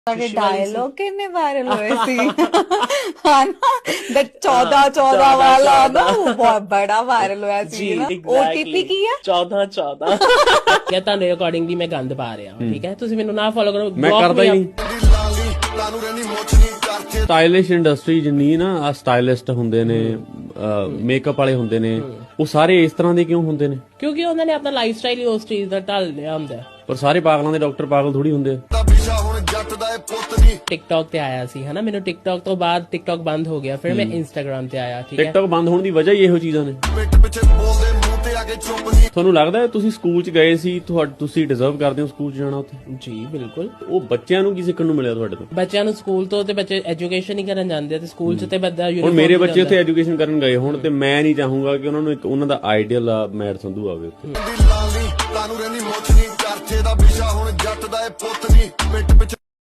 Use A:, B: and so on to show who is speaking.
A: dialog ਕਿੰਨੇ viral ਹੋਏ ਸੀ ਹਨਾ ਦ 14 ਵਾਲਾ ਨਾ ਉਹ ਬਹੁਤ ਬੜਾ ਵਾਇਰਲ ਹੋਇਆ ਸੀ ਨਾ OTP ਕੀ ਹੈ
B: 14 ਕਿਆ ਤੁਹਾਡੇ ਅਕੋਰਡਿੰਗਲੀ ਮੈਂ ਗੰਦ ਪਾ ਰਿਹਾ ਠੀਕ ਹੈ ਤੁਸੀਂ ਮੈਨੂੰ ਨਾ ਫੋਲੋ ਕਰੋ
C: ਮੈਂ ਕਰਦਾ ਹੀ ਨਹੀਂ ਸਟਾਈਲਿਸ਼ ਇੰਡਸਟਰੀ ਜਿੰਨੀ ਨਾ ਆ ਸਟਾਈਲਿਸਟ ਹੁੰਦੇ ਨੇ ਮੇਕਅਪ ਵਾਲੇ ਹੁੰਦੇ ਨੇ ਉਹ ਸਾਰੇ ਇਸ ਤਰ੍ਹਾਂ ਦੇ ਕਿਉਂ ਹੁੰਦੇ ਨੇ
B: ਕਿਉਂਕਿ ਉਹਨਾਂ ਨੇ ਆਪਣਾ ਲਾਈਫ ਸਟਾਈਲ ਹੀ ਉਸ ਚੀਜ਼ ਦਾ ਢਾਲ ਲਿਆ ਹੁੰਦਾ
C: ਪਰ ਸਾਰੇ ਪਾਗਲਾਂ ਦੇ ਡਾਕਟਰ ਪਾਗਲ ਥੋੜੀ ਹੁੰਦੇ ਆ
B: ਟਿਕਟੌਕ ਤੇ ਆਇਆ ਸੀ ਹਨਾ ਮੈਨੂੰ ਟਿਕਟੌਕ ਤੋਂ ਬਾਅਦ ਟਿਕਟੌਕ ਬੰਦ ਹੋ ਗਿਆ ਫਿਰ ਮੈਂ ਇੰਸਟਾਗ੍ਰਾਮ ਤੇ ਆਇਆ ਠੀਕ ਹੈ
C: ਟਿਕਟੌਕ ਬੰਦ ਹੋਣ ਦੀ ਵਜ੍ਹਾ ਹੀ ਇਹੋ ਚੀਜ਼ਾਂ ਨੇ ਤੁਹਾਨੂੰ ਲੱਗਦਾ ਤੁਸੀਂ ਸਕੂਲ ਚ ਗਏ ਸੀ ਤੁਸੀਂ ਡਿਜ਼ਰਵ ਕਰਦੇ ਹੋ ਸਕੂਲ ਚ ਜਾਣਾ ਉੱਥੇ
B: ਜੀ ਬਿਲਕੁਲ
C: ਉਹ ਬੱਚਿਆਂ ਨੂੰ ਕੀ ਸਿੱਖਣ ਨੂੰ ਮਿਲਿਆ ਤੁਹਾਡੇ ਤੋਂ
B: ਬੱਚਿਆਂ ਨੂੰ ਸਕੂਲ ਤੋਂ ਤੇ ਬੱਚੇ ਐਜੂਕੇਸ਼ਨ ਹੀ ਕਰਨ ਜਾਂਦੇ ਆ ਤੇ ਸਕੂਲ ਚ ਤੇ ਬੱਦਾ
C: ਹੁਣ ਮੇਰੇ ਬੱਚੇ ਉੱਥੇ ਐਜੂਕੇਸ਼ਨ ਕਰਨ ਗਏ ਹੁਣ ਤੇ ਮੈਂ ਨਹੀਂ ਚਾਹੂੰਗਾ ਕਿ ਉਹਨਾਂ ਨੂੰ ਇੱਕ ਉਹਨਾਂ ਦਾ ਆਈਡੀਅਲ ਆ ਮੈਡ ਸੰਧੂ ਆਵੇ ਉੱਥੇ